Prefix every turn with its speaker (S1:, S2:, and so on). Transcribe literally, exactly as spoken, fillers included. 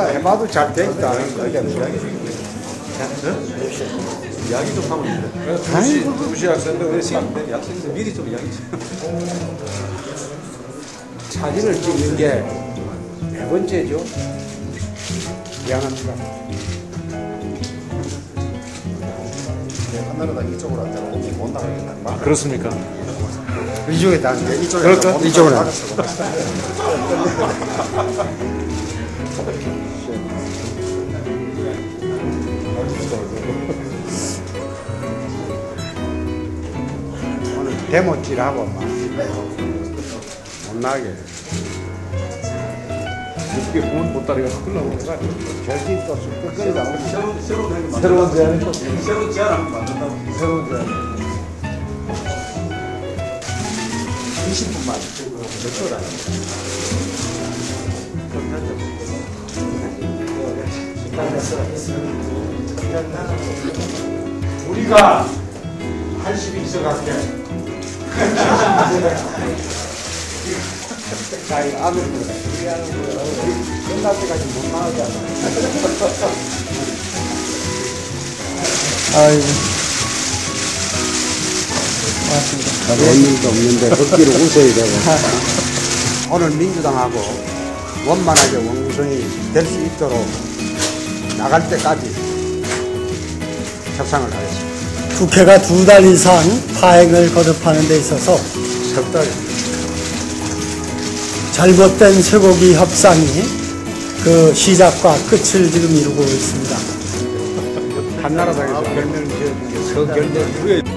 S1: 해봐도 잘 되니까.
S2: 이야기 좀 하면 돼.
S1: 아이고.
S2: 두시 학생들 왜 시간 때 학생들 미리 좀 이야기 좀.
S1: 사진을 찍는 게 네 번째죠. 미안합니다.
S3: 하나로 다 이쪽으로 앉아서 못 나가겠다.
S2: 아, 그렇습니까?
S1: 이쪽에 다 앉아.
S3: 이쪽에
S1: 그럴까? 이쪽으로 앉아. 오늘 데모질하고 막 못 나게.
S2: 어떻게 보면 보따리가 흘러오는 거 아니에요?
S1: 절진 또 끝까지 나오고.
S2: 새로운 새로운
S1: 새로운 제안이 또
S2: 새로운 제안 한번 만든다고.
S1: 새로운 제안. 이십 분만 몇 초라. 우리가 팔십이 있어갈게. 자, 이 아들 우리 아들 끝날 때까지 못 나가잖아.
S4: 아이고. 고맙습니다.
S1: 볼 일도 없는데 걷기로 웃어야 되고. 오늘 민주당하고 원만하게 원구성이 될 수 있도록 나갈 때까지 협상을 하겠습니다.
S4: 국회가 두 달 이상 파행을 거듭하는 데 있어서
S1: 석 달.
S4: 잘못된 쇠고기 협상이 그 시작과 끝을 지금 이루고 있습니다.
S1: 한나라당에서 별명을 지어준 게 서결대.